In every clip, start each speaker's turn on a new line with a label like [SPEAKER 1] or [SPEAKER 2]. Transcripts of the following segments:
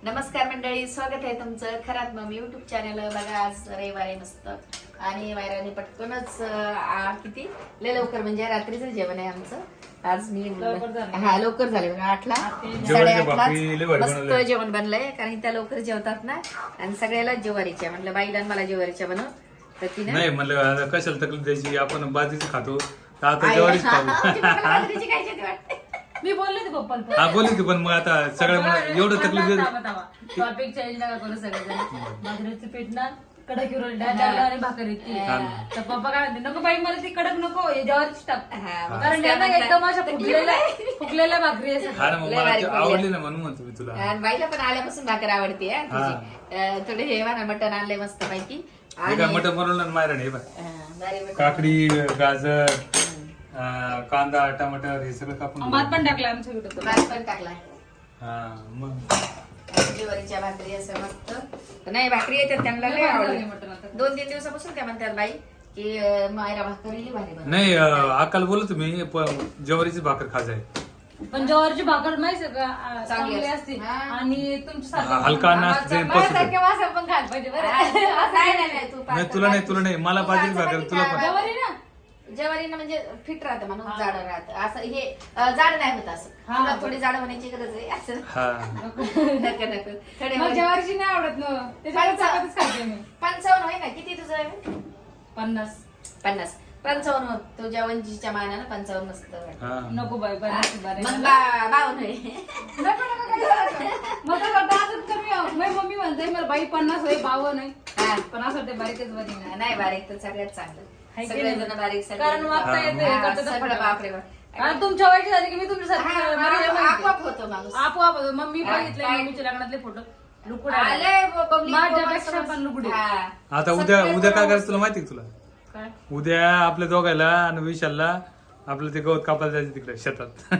[SPEAKER 1] नमस्कार मंडळी, स्वागत आहे तुमचं खरात मम्मी युट्यूब चॅनल. बघा आज रविवार आहे मस्त आणि वायराने पटकनच किती लय लवकर म्हणजे रात्रीचं जेवण आहे आमचं. आज मी लवकर झाले बघा 8ला 8:30 मस्त जेवण बनलंय कारण त्या लवकर जेवतात ना आणि सगळ्याला ज्वारीच्या म्हणलं बाईला मला ज्वारीच्या बनव तर तिने
[SPEAKER 2] नाही म्हणलं कशाला तकलीफ द्यायची, आपण बाजरीची खातो तर आता ज्वारीच खाऊ.
[SPEAKER 3] मी बोलले ते पप्पाला.
[SPEAKER 2] हा बोलली ती पण मग आता सगळं एवढं तकलीफ देत
[SPEAKER 3] टॉपिक चेंज नका करू सगळेजण. बाजरीचं पीठ ना कडक आणि भाकर येते तर पप्पा काय म्हणते नको बाई मला ती कडक नको ज्वारीच टाक कारण त्यांना एकदम अशा फुगलेल्या भाकरी असतात.
[SPEAKER 2] हा ना मग मला आवडली ना म्हणून म्हणतो मी तुला.
[SPEAKER 1] आणि बाईला पण आल्यापासून भाकर आवडते थोडे हे म्हणा मटण आणलंय मस्त पैकी.
[SPEAKER 2] हे काय मटण बनवलं ना मायराने, हे बघ काकडी, गाजर, कांदा, टमाटर हे सगळं कापून
[SPEAKER 3] भात पण टाकला आमच्या व्हिडिओत.
[SPEAKER 1] भात पण टाकलाय.
[SPEAKER 2] हा मग
[SPEAKER 1] ज्वारीच्या भाकरी असं मस्त नाही भाकरी येतात त्यांना लय आवडते. 2-3 दिवसापासून त्या म्हणतात बाई की मायरा भाकरी भारी बनव.
[SPEAKER 2] नाही अक्काला बोललो तुम्ही ज्वारीची भाकर खाजाय
[SPEAKER 3] पण ज्वारीची भाकर माहिती का चांगली असते आणि
[SPEAKER 2] हलका नसते
[SPEAKER 3] माझ्यासारख्या माणसाला पण खायला पाहिजे बरं.
[SPEAKER 1] नाही
[SPEAKER 2] तुला नाही मला बाजरी भाकर तुला पण.
[SPEAKER 3] ज्वारी ना
[SPEAKER 1] ज्वारीनं म्हणजे फिट राहतं म्हणून जाड राहतं असं हे जाड नाही होत असं. तुला थोडी जाड होण्याची गरज आहे असं नको थोडे
[SPEAKER 3] मग ज्वारीची नाही आवडत ना त्याच्यावर चपातीच खाते मी.
[SPEAKER 1] 55 होय ना किती तुझं आहे?
[SPEAKER 3] 50
[SPEAKER 1] 55 होत तुझ्या वंजीच्या मानानं 55 मस्त वाटतं.
[SPEAKER 3] नको बाई
[SPEAKER 1] मग 52 होय.
[SPEAKER 3] मम्मी म्हणते मला बाई 50 होय 52 नाही पण असं ते बारीकच बरी
[SPEAKER 1] नाही बारीक तर सगळ्यात चांगलं सगळेजण बारीक
[SPEAKER 3] कारण वागता येते
[SPEAKER 1] सगळं बापरे बाप.
[SPEAKER 3] आणि तुमच्या वयाची झाली की मी तुमच्यासारखी
[SPEAKER 1] आपोआप होतो माणूस.
[SPEAKER 3] आपोआप मम्मी बघितले मम्मीच्या लग्नातले फोटो लुकुड माझ्यापेक्षा पण लुकुड.
[SPEAKER 2] आता उद्या काय करायचं तुला माहिती तुला?
[SPEAKER 3] काय
[SPEAKER 2] उद्या आपल्या दोघायला आणि विशालला आपलं ते गवत कापायला जायचं तिकडे शेतात.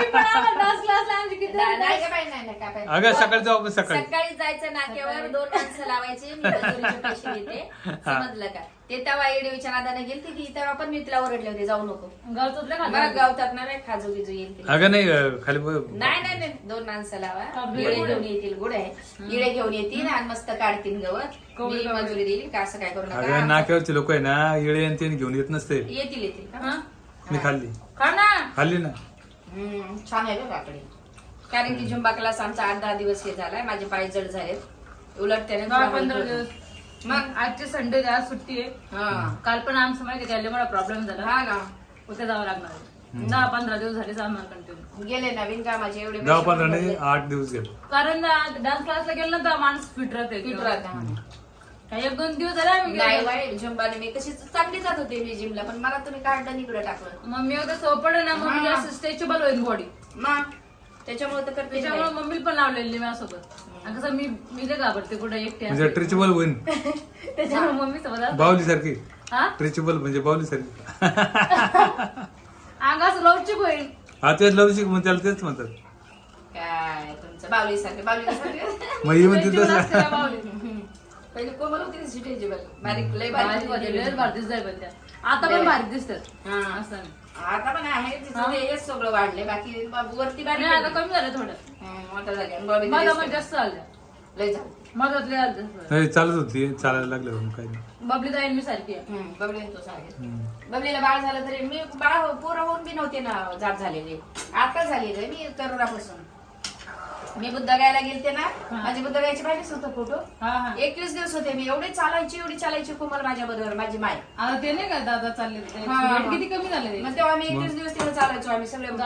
[SPEAKER 2] अगं सकाळी जाऊ आपण
[SPEAKER 1] सकाळी जायचं नाक्यावर 2 माणसं लावायची मी मजुरीचे पैसे देते समजलं का. ते तेव्हा येडीच्या नादाने गेलती की तेव्हा पण मी तिला ओरडले होते जाऊ नको गावतात ना खाजू बिजू येईल.
[SPEAKER 2] अगं नाही खाली
[SPEAKER 1] नाही 2 माणसं लावा इळे घेऊन येतील गुड आहे इळे घेऊन येतील आणि मस्त काढतील गवत मी मजुरी देईल का असं काय करू
[SPEAKER 2] अगं
[SPEAKER 1] नका.
[SPEAKER 2] नाक्यावरचे लोक आहे ना येळे आणि ते घेऊन येत नसते.
[SPEAKER 1] येतील
[SPEAKER 2] मी खाल्ली ना
[SPEAKER 1] छान आहे बघ काकडी. कारण की झुंबा क्लास आमचा 8-10 दिवस हे झालाय माझे पाय जड झालेत उलट त्याने
[SPEAKER 3] 15 दिवस मग आजचे संडे आज सुट्टी आहे. काल पण आमचं माहिती काय मला प्रॉब्लेम झाला
[SPEAKER 1] हा ना
[SPEAKER 3] उद्या जावं लागणार 10-15 दिवस झाले आम्हाला कंटिन्यू
[SPEAKER 1] गेले नवीन कामाचे एवढे
[SPEAKER 2] 10-15 नाही 8 दिवस गेलो
[SPEAKER 3] कारण डान्स क्लासला गेलं ना तर माणूस फिट राहते. 1-2 दिवस झाले आम्ही
[SPEAKER 1] नाही बाई झुंबाने मी कशी चांगली जात होते मी जिमला पण मला तुम्ही काढलं इकडे टाकलं.
[SPEAKER 3] मम्मी होतं सोपड ना मम्मी जास्त स्ट्रेचेबल होईल बॉडी
[SPEAKER 1] मग त्याच्यामुळे तर करते
[SPEAKER 3] त्याच्यामुळे मम्मीला पण लावलेली माझ्यासोबत. कसं मी लय घाबरते कुठं एकटे
[SPEAKER 2] म्हणजे ट्रिचेबल होईल
[SPEAKER 3] त्याच्यामुळे मम्मी सोबत
[SPEAKER 2] बावली सारखी.
[SPEAKER 3] हा
[SPEAKER 2] ट्रिचेबल म्हणजे बावली सारखी
[SPEAKER 3] अंग असं लवचिक होईल.
[SPEAKER 2] हा तेच लवचिक मग त्याला तेच म्हणतात.
[SPEAKER 1] काय तुमचं बावली सारखे
[SPEAKER 2] मग ही म्हणते तसं
[SPEAKER 1] पहिले कोमल होती स्ट्रेचेबल बारीक लय
[SPEAKER 3] बारीक दिसत आता पण बारीक दिसतात असं
[SPEAKER 1] आता पण आहे हेच सगळं वाढले बाकी वरती बारीक
[SPEAKER 3] आता कमी झालं थोडं
[SPEAKER 1] मोठं झाले
[SPEAKER 3] माझा पण जास्त झालं
[SPEAKER 1] लय झालं
[SPEAKER 3] माझ्यात लय आलं
[SPEAKER 2] नाही चालत होती चालायला लागलं काही नाही.
[SPEAKER 3] बबली जाईल मी सारखी आहे.
[SPEAKER 1] बबली तो सारखे बबलीला बाळ झालं तरी मी बाळ पोरं होऊन बी नव्हते ना जात झालेले आता झालेले मी तरुणापासून. मी बुद्धगायला गेलते ना माझी बुद्धगायची पाहिजेच होतं फोटो 21 दिवस होते मी एवढी चालायची कोमल माझ्या बरोबर माझी माय.
[SPEAKER 3] आता ते नाही का दादा चालले किती कमी झाले
[SPEAKER 1] मग तेव्हा मी 21 दिवस तिकडे चालायचो आम्ही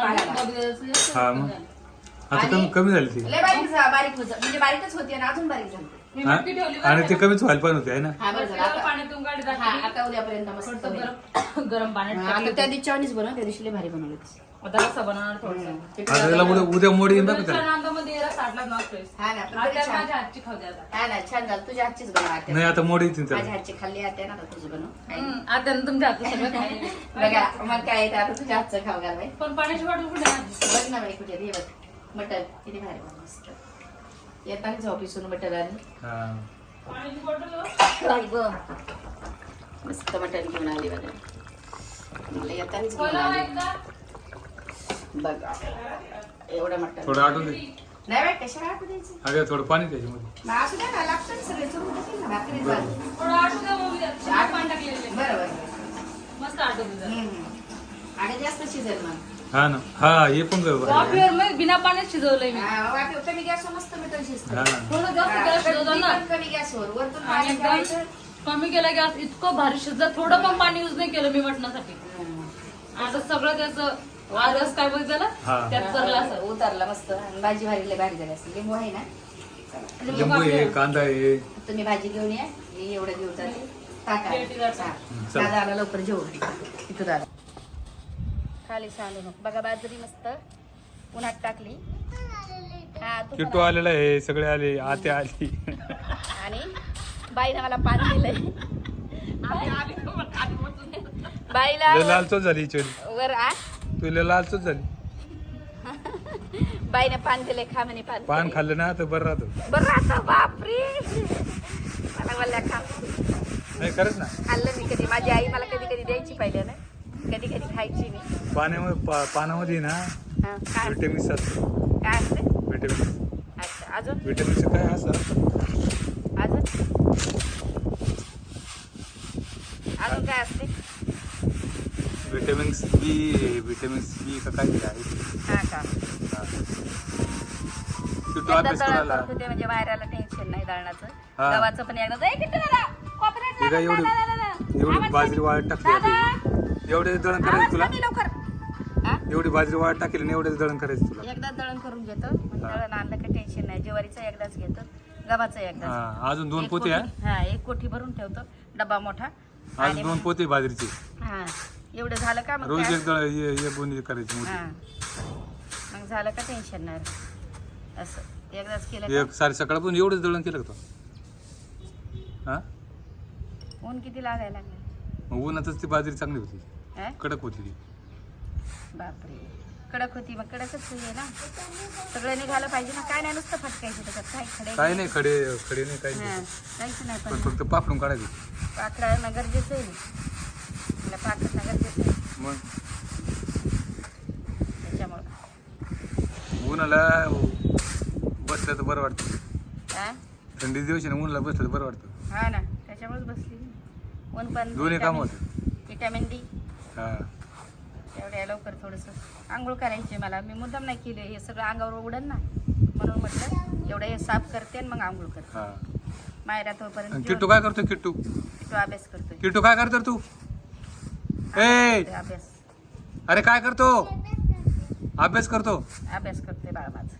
[SPEAKER 1] सगळे.
[SPEAKER 2] आता कमी झाली ती
[SPEAKER 1] लय बारीक म्हणजे बारीकच होती आणि अजून बारीक झाली
[SPEAKER 2] आणि ते कमीच व्हायला पण होते आहे ना.
[SPEAKER 3] पाण्यातून गाडी
[SPEAKER 1] आता उद्यापर्यंत मस्त
[SPEAKER 3] गरम पाण्यात
[SPEAKER 1] त्या दिवशी चायनीज बनव त्या दिवशी भारी बनवलं.
[SPEAKER 3] आता कसं बनवणार थोडंसं
[SPEAKER 2] आता त्याला उद्या मोडी येईल बघ त्याला.
[SPEAKER 3] नांदामध्ये साठला नसतोय
[SPEAKER 1] हा ना
[SPEAKER 3] माझ्या हातची खाऊ द्या
[SPEAKER 1] हा ना छान झालं तुझ्या हातचीच बनव.
[SPEAKER 2] नाही आता मोडी येतील
[SPEAKER 1] माझ्या
[SPEAKER 2] त्याला.
[SPEAKER 1] हातची खाल्ली आता ना तुझी बनव
[SPEAKER 3] आता तुमच्या हातचं सगळं खायला.
[SPEAKER 1] बघा मग काय येतं आता तुझ्या हातचं खाऊ घाल बाई.
[SPEAKER 3] पण पाण्याची बॉटल कुठे आहे?
[SPEAKER 1] बघ ना बाई कुठे हे बघ मटन किती भारी बनव मस्त येतानाच ऑफिसून मटन आणि
[SPEAKER 3] पाण्याची बॉटल
[SPEAKER 1] मस्त मटन घेऊन आली बघा मला येतानाच घेऊन आली बघा एवढं मटन
[SPEAKER 2] थोडं आठवून दे
[SPEAKER 1] नाही बाई, कशाला आटू द्यायचं?
[SPEAKER 2] अगं थोडं पाणी त्याच्यामध्ये.
[SPEAKER 1] मग असू द्या ना, लागतं ना सगळे चुरून टाकेल ना, भाकरी झाली.
[SPEAKER 3] थोडं आटू द्या मग त्यात. चहा पाणी टाकलेलं आहे.
[SPEAKER 1] बरोबर.
[SPEAKER 3] मस्त आटू द्या.
[SPEAKER 1] आणि जास्त शिजेल मग.
[SPEAKER 2] हा ना, हा हे पण बरोबर आहे.
[SPEAKER 3] वाफेवर मग बिना पाण्यात शिजवलंय मी.
[SPEAKER 1] वाटेवर कमी गॅसवर मस्त मिठं शिजतं.
[SPEAKER 2] हा ना.
[SPEAKER 3] थोडं जास्त गॅस शिजवतो
[SPEAKER 1] कधी
[SPEAKER 3] ना.
[SPEAKER 1] पण कमी गॅसवर वरतून
[SPEAKER 3] आणि
[SPEAKER 1] पाणी
[SPEAKER 3] एकदम
[SPEAKER 1] ठेवायचं.
[SPEAKER 3] कमी केला गॅस, इतकं भारी शिजलं. थोडं पण पाणी युज नाही केलं मी मटणासाठी. आता सगळं त्याचं रस काय बोलते त्याला
[SPEAKER 2] हा.
[SPEAKER 3] त्यात भरला असं.
[SPEAKER 1] उतरला मस्त. आणि भाजी भारी लय भारी झाली असेल. लिंबू आहे ना?
[SPEAKER 2] लिंबू आहे, कांदा आहे.
[SPEAKER 1] तुम्ही भाजी घेऊन या, मी एवढं घेऊन जाते. टाका.
[SPEAKER 3] प्लेटी जरा.
[SPEAKER 1] हा.
[SPEAKER 2] चला.
[SPEAKER 1] दादा आला लवकर जेवण. इथं दादा खाली सांडू नको. बघा बाजरी मस्त उन्हात टाकली. हा, तू पण
[SPEAKER 2] किट्टू आलेला आहे, सगळे आले, आत्या आली.
[SPEAKER 1] आणि बाईनं मला पान दिलंय. बाईला
[SPEAKER 2] लय लालचोच झाली ही चोरी.
[SPEAKER 1] वर आ
[SPEAKER 2] तू लय लालचोच झाली.
[SPEAKER 1] बाईने पान दिले. खा म्हणे पान.
[SPEAKER 2] पान खाल्लं ना तर बरं राहतो.
[SPEAKER 1] बरं आता बापरे मला बोलल्या खा.
[SPEAKER 2] नाही खरंच ना.
[SPEAKER 1] खाल्लं मी कधी. माझी आई मला कधी कधी द्यायची पाहिजे ना. कधी कधी खायची मी.
[SPEAKER 2] पानामध्ये ना
[SPEAKER 1] हा, काय
[SPEAKER 2] विटॅमिन्स असतात.
[SPEAKER 1] काय असते?
[SPEAKER 2] विटॅमिन्स.
[SPEAKER 1] अच्छा, अजून
[SPEAKER 2] विटॅमिन्स काय असतात?
[SPEAKER 1] अजून अजून काय असते?
[SPEAKER 2] विटॅमिन्स बी का काय आहे.
[SPEAKER 1] हा का?
[SPEAKER 2] हा. किट्टू
[SPEAKER 1] एकदा
[SPEAKER 2] अभ्यास
[SPEAKER 1] दळण
[SPEAKER 2] करायला.
[SPEAKER 1] करत होते म्हणजे वायराला टेन्शन नाही दळणाचं.
[SPEAKER 2] हा.
[SPEAKER 1] गव्हाचं पण एकदा किती दादा कॉपरेट
[SPEAKER 2] हे काय एवढी बाजरी वाळत टाकली आता. एवढे दळण करायचं तुला?
[SPEAKER 1] लवकर. हा?
[SPEAKER 2] एवढी बाजरी वाळत टाकली आणि एवढे दळण करायचं तुला?
[SPEAKER 1] एकदा दळण करून घेतो. मग दळण आणलं का टेन्शन नाही. ज्वारीचं एकदाच घेतो, गव्हाचं एकदाच.
[SPEAKER 2] हा, अजून 2
[SPEAKER 1] एक
[SPEAKER 2] पोते
[SPEAKER 1] कोठी-
[SPEAKER 2] आहे.
[SPEAKER 1] हा, एक कोठी भरून ठेवतो, डबा मोठा.
[SPEAKER 2] अजून 2 पोते बाजरीचे.
[SPEAKER 1] हा, एवढं झालं का मग
[SPEAKER 2] रोज
[SPEAKER 1] काय?
[SPEAKER 2] एक दळ हे बोनी करायची
[SPEAKER 1] हा,
[SPEAKER 2] मोठी.
[SPEAKER 1] मग झालं का टेन्शन नाही. असं एकदाच केलं
[SPEAKER 2] एक सारे सकाळपासून एवढंच दळण केलं का तू? हा,
[SPEAKER 1] का ऊन किती लागायला लागलं?
[SPEAKER 2] मग उन्हातच ती बाजरी चांगली होती,
[SPEAKER 1] हा?
[SPEAKER 2] कडक होती ती.
[SPEAKER 1] बापरे, कडक होती. मग कडकच आहे ना. सगळं निघालं पाहिजे ना. काय नाही, नुसतं फटकायचं त्याच्यात. काय खडे
[SPEAKER 2] काय नाही, खडे नाही, काही
[SPEAKER 1] हा,
[SPEAKER 2] नाही.
[SPEAKER 1] काहीच नाही.
[SPEAKER 2] पण
[SPEAKER 1] पण
[SPEAKER 2] फक्त पाकडून काढायचं.
[SPEAKER 1] पाकडणं गरजेचं आहे. मला पाकडणं गरजेचं आहे.
[SPEAKER 2] मग
[SPEAKER 1] त्याच्यामुळं
[SPEAKER 2] उन्हाला बसलं तर बरं वाटतं.
[SPEAKER 1] हा,
[SPEAKER 2] थंडी दिवस ना उन्हाला बसलं तर बरं वाटतं.
[SPEAKER 1] हा ना, त्याच्यामुळेच बसली. ऊन पण
[SPEAKER 2] दोन्ही काम होते.
[SPEAKER 1] Vitamin D.
[SPEAKER 2] हा,
[SPEAKER 1] एवढ्या लवकर थोडंसं आंघोळ करायची मला. मी मुद्दाम नाही केले. हे सगळं अंगावर उडन ना, म्हणून म्हटलं एवढं हे साफ करते आणि मग आंघोळ करते.
[SPEAKER 2] हा.
[SPEAKER 1] मायरा
[SPEAKER 2] आणि
[SPEAKER 1] तोपर्यंत
[SPEAKER 2] किट्टू काय करतो? किट्टू
[SPEAKER 1] किट्टू अभ्यास करतोय.
[SPEAKER 2] किट्टू काय करतो तू? ए,
[SPEAKER 1] अभ्यास
[SPEAKER 2] अरे काय करतो? अभ्यास करतो.
[SPEAKER 1] अभ्यास करते बाळा माझं.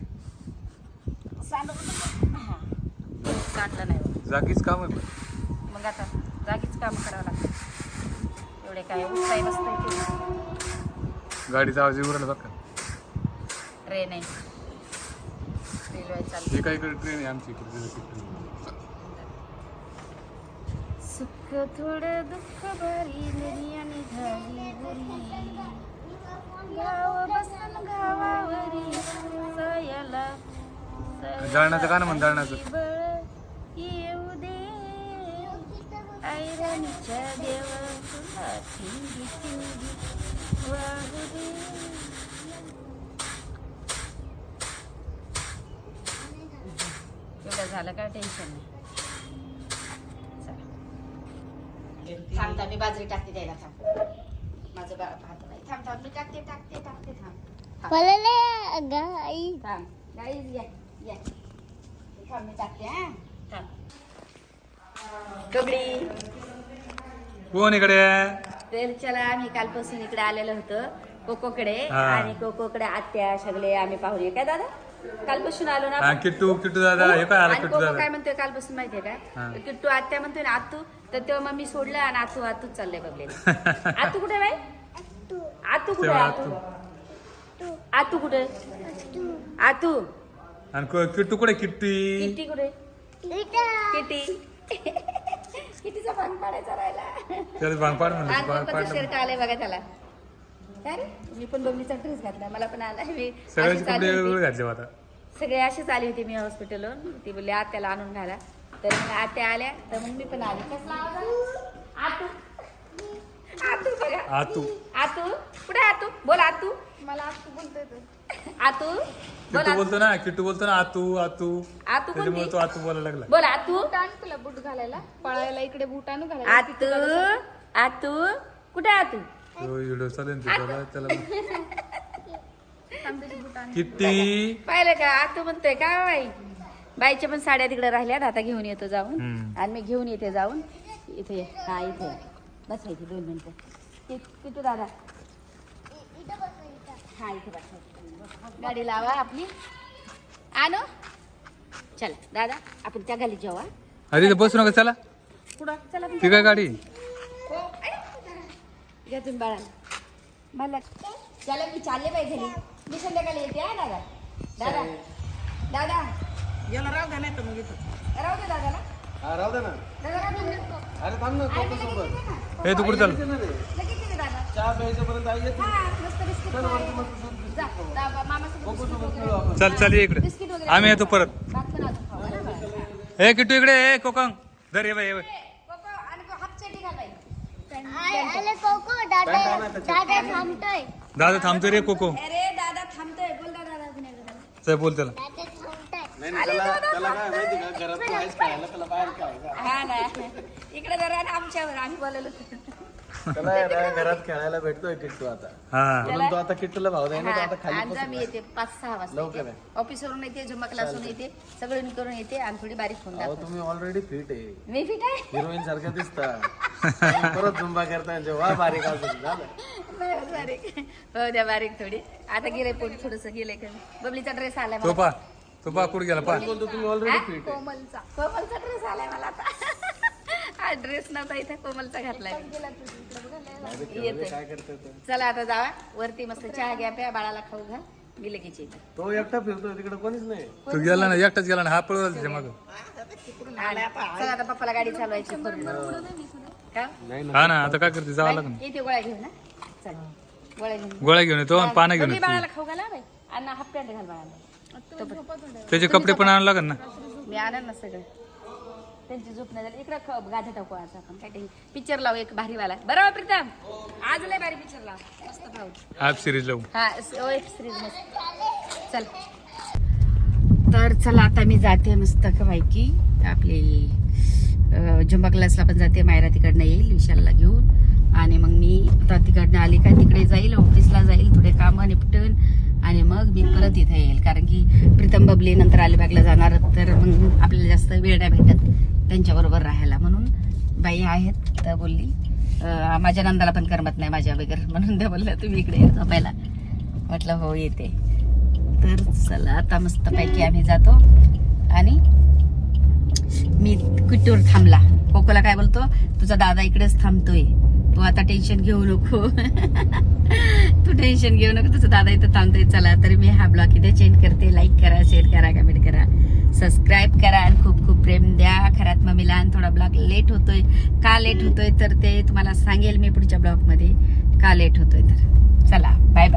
[SPEAKER 1] सांडलं नाही बघ.
[SPEAKER 2] जागीच काम आहे पण.
[SPEAKER 1] मग आता जागीच काम करावं लागतं. एवढे काय उठाय बसतंय.
[SPEAKER 2] गाडीचा आवाज येऊ राहिला बघा.
[SPEAKER 1] ट्रेन आहे, रेल्वे चालते.
[SPEAKER 2] हे काय इकडे ट्रेन आहे आमची इकडे.
[SPEAKER 1] सुख थोडं दुःख भारी दुनिया निघाली बुरी. गाव बसन गावावरी सयाला
[SPEAKER 2] दळणाचं गाणं म्हण, दळणाचं.
[SPEAKER 1] बळ येऊ दे ऐरणीच्या देव तुला ठिंगी ठिंगी वाहू दे. एवढं झालं का टेन्शन नाही. थांबता मी बाजरी टाकते द्यायला. थांब, माझं बाळ पाहत नाही. थांब थांब, मी टाकते टाकते टाकते. थांब थांब गाईज या या. थांब, मी टाकते. हा थांब. कबडी
[SPEAKER 2] कोण इकडे?
[SPEAKER 1] तर चला, आम्ही कालपासून इकडे आलेलो होतो कोकोकडे.
[SPEAKER 2] हा.
[SPEAKER 1] आणि कोकोकडे आत्या सगळे आम्ही पाहुणे. काय दादा कालपासून आलो ना.
[SPEAKER 2] हा, किट्टू दादा हे काय आला?
[SPEAKER 1] आणि
[SPEAKER 2] किट्टू
[SPEAKER 1] कोको
[SPEAKER 2] दादा
[SPEAKER 1] काय म्हणतोय कालपासून माहितीये
[SPEAKER 2] हा.
[SPEAKER 1] का? किट्टू आत्या म्हणतोय ना आतू. तर तेव्हा मग मी सोडलं आणि आतूच चाललंय बघलेलं. आतू कुठे बाई? आतू कुठे?
[SPEAKER 2] तेव्हा
[SPEAKER 1] आतू कुठे? आतू
[SPEAKER 2] आणि किट्टू कुठे? किट्टी
[SPEAKER 1] किटी कुठे? किटी किटीचा भांग पाडायचा राहिला.
[SPEAKER 2] त्याला भांग पाड
[SPEAKER 1] आणि
[SPEAKER 2] म्हणलं.
[SPEAKER 1] पप्पाचं शर्ट आलंय बघा त्याला. काय रे, मी पण बबलीचा ड्रेस घातला. मला पण आला. मी
[SPEAKER 2] सगळ्याचे
[SPEAKER 1] अशीच
[SPEAKER 2] कपडे
[SPEAKER 1] आली होती.
[SPEAKER 2] वेगवेगळे घातले आता.
[SPEAKER 1] सगळे अशीच आली होती मी हॉस्पिटलवरून. ती बोलली आत्याला आणून घाला. तर मग आत्या आल्या तर मग मी पण आली. कसला आवाज आला? आतू आतू बघा.
[SPEAKER 2] आतू
[SPEAKER 1] आतू कुठे? आतू बोल. आतू
[SPEAKER 4] मला आतू बोलतोय तो.
[SPEAKER 1] आतू बोल
[SPEAKER 2] किट्टू बोलतो ना, किट्टू बोलतो ना, आतू आतू.
[SPEAKER 1] आतू
[SPEAKER 2] त्याच्यामुळे
[SPEAKER 1] कोणती
[SPEAKER 2] तो आतू बोलायला लागला.
[SPEAKER 1] बोल आतू
[SPEAKER 4] बूट आण तुला बूट घालायला पळायला इकडे बूट आणू घालायला
[SPEAKER 1] आतू आतू कुठे आतू
[SPEAKER 2] तो व्हिडिओ चालेल त्याला त्याला
[SPEAKER 4] तांब्याचे बूट आण.
[SPEAKER 2] किट्टी.
[SPEAKER 1] पाहिलं का आतू म्हणतोय का बाई बाईच्या पण साड्या तिकडे राहिल्यात आता घेऊन येतो जाऊन
[SPEAKER 2] हम्म.
[SPEAKER 1] आणि मी घेऊन येते जाऊन इथे हा इथे बसायची 2 मिनिटं किती दादा हा इथे बसायचं गाडी लावा आपली आणू चला दादा आपण त्या गाली जेव्हा
[SPEAKER 2] अरे इथं बसू नका चला.
[SPEAKER 1] पुढं चला
[SPEAKER 2] ती काय गाडी?
[SPEAKER 1] घ्या तुम्ही बाळाला मला चला मी चालले पाहिजे घरी मी संध्याकाळी येते हा दादा दादा दादा
[SPEAKER 5] याला राव द्या नाही तर मग इथं
[SPEAKER 1] राहू दे दादाला
[SPEAKER 6] राहू दे ना.
[SPEAKER 1] दादा राहू दे.
[SPEAKER 6] अरे थांब ना,
[SPEAKER 1] अरे,
[SPEAKER 6] कोको
[SPEAKER 1] मी लगेच
[SPEAKER 6] सोबत.
[SPEAKER 1] येते ना.
[SPEAKER 2] हे तू कुठे चाल?
[SPEAKER 1] लगेच येते दादा
[SPEAKER 6] चहा प्यायच्यापर्यंत आई येते.
[SPEAKER 1] हा मस्त बिस्किट खायला. जा, जा, मामासोबत
[SPEAKER 6] कोको
[SPEAKER 1] बिस्किट
[SPEAKER 6] सोबत
[SPEAKER 1] वगैरे.
[SPEAKER 6] खेळू आपण.
[SPEAKER 2] चल चल ये इकडे.
[SPEAKER 1] बिस्किट वगैरे
[SPEAKER 2] आम्ही येतो परत.
[SPEAKER 1] भात पण अजून खाऊ, है ना बाळा?
[SPEAKER 2] ए किट्टू इकडे ए कोकंग धर ये बाई ये बाई.
[SPEAKER 1] कोको, आणि हाफ चड्डी घाल बाई.
[SPEAKER 2] दादा थांबतो रे कोको.
[SPEAKER 1] अरे दादा थांबतोय बोल दादा
[SPEAKER 2] चल बोल त्याला.
[SPEAKER 6] नाही नाही, त्याला काय माहिती का, घरात तू आहेस खेळायला, त्याला बाहेर खेळायला.
[SPEAKER 1] हा ना इकडे जरा आणि आमच्यावर आम्ही बोललो
[SPEAKER 6] त्याला आहे ना, घरात खेळायला भेटतोय किट्टू आता.
[SPEAKER 2] हा
[SPEAKER 6] म्हणून तो आता किट्टूला भाव द्याय ना, तो आता खाली
[SPEAKER 1] आज
[SPEAKER 6] बसून
[SPEAKER 1] मी येते 5-6 वाजता
[SPEAKER 6] लवकर
[SPEAKER 1] येते.
[SPEAKER 6] आहे.
[SPEAKER 1] ऑफिसवरून येते झुम्मा क्लासवरून येते सगळं करून येते आणि थोडी बारीक होऊन
[SPEAKER 6] अहो
[SPEAKER 1] जातो
[SPEAKER 6] तुम्ही ऑलरेडी फिट आहे,
[SPEAKER 1] मी फिट आहे
[SPEAKER 6] हिरोईन सारखं दिसता. परत झुंबा करताय जेव्हा बारीक असेल झालं.
[SPEAKER 1] नाही होत बारीक हो द्या बारीक थोडी आता गेले पोट थोडस गेले कमी बबलीचा ड्रेस आलाय
[SPEAKER 2] तो
[SPEAKER 1] मला.
[SPEAKER 2] पा कुठे गेला पा.
[SPEAKER 6] बोलतो तुम्ही ऑलरेडी फिट आहे.
[SPEAKER 4] कोमलचा
[SPEAKER 1] कोमलचा ड्रेस आलाय मला आता हा ड्रेस नव्हता इथे कोमलचा घातलाय
[SPEAKER 4] गेला तुझी इकडे बघायला.
[SPEAKER 6] अरे केवढे काय करतोय तो?
[SPEAKER 1] चला आता जावा वरती मस्त चहा घ्या प्या बाळाला खाऊ घाल मी लगेच येते
[SPEAKER 6] तो एकटा फिरतोय तिकडे कोणीच नाही.
[SPEAKER 2] तू गेला ना एकटाच गेला ना हा पळवला त्याच्या मागं.
[SPEAKER 1] चला आता पप्पाला गाडी चालवायची करून का
[SPEAKER 6] नाही ना.
[SPEAKER 2] हा ना आता काय करते जावं लागेल.
[SPEAKER 1] येते गोळ्या घेऊन ना चल गोळ्या घेऊन
[SPEAKER 2] गोळ्या घेऊन येतो आणि पानं घेऊन
[SPEAKER 1] बबली
[SPEAKER 2] येतो.
[SPEAKER 1] बाळाला खाऊ घाला बाई अण्णा हाफ पॅन्ट घाल बाळाला
[SPEAKER 2] त्याचे कपडे पण आणावं लागेल ना.
[SPEAKER 1] मी आणन ना सगळं त्यांची झोप नाही झाली इकडं गाठा टाकू आज आपण काय पिक्चर लावू एक भारीवाला बरोबर प्रीतम आज लय भारी पिक्चर लाव मस्त पाहू
[SPEAKER 2] ऍप सिरीज लावू.
[SPEAKER 1] हा वेब सिरीज मस्त चल तर चला आता मी जाते मस्त पैकी आपली झुंबा क्लासला पण जाते मायरा तिकडनं येईल विशालला घेऊन आणि मग मी आता तिकडनं आली का तिकडे जाईल ऑफिसला जाईल थोडे कामं निपटून आणि मग मी परत इथे येईल कारण की प्रीतम बबली नंतर अलिबागला जाणार तर मग आपल्याला जास्त वेळ नाही भेटत त्यांच्याबरोबर राहायला म्हणून बाई आहेत तर बोलली माझ्या नंदाला पण करमत नाही माझ्या वगैरे म्हणून त्या बोलल्या तुम्ही इकडे येतो पहिला म्हटलं हो येते तर चला आता मस्तपैकी आम्ही जातो आणि मी किट्टूवर थांबला कोकोला काय बोलतो तुझा दादा इकडेच थांबतोय तू आता टेन्शन घेऊ नको तू टेन्शन घेऊ नको तुझा दादा इथं थांबतोय चला तर मी हा ब्लॉग इथे चेंज करते लाईक करा शेअर करा कमेंट करा सबस्क्राईब करा आणि खूप खूप प्रेम द्या खरात मम्मीला आणि थोडा ब्लॉग लेट होतोय का लेट होतोय तर ते तुम्हाला सांगेल मी पुढच्या ब्लॉगमध्ये का लेट होतोय तर चला बाय बाय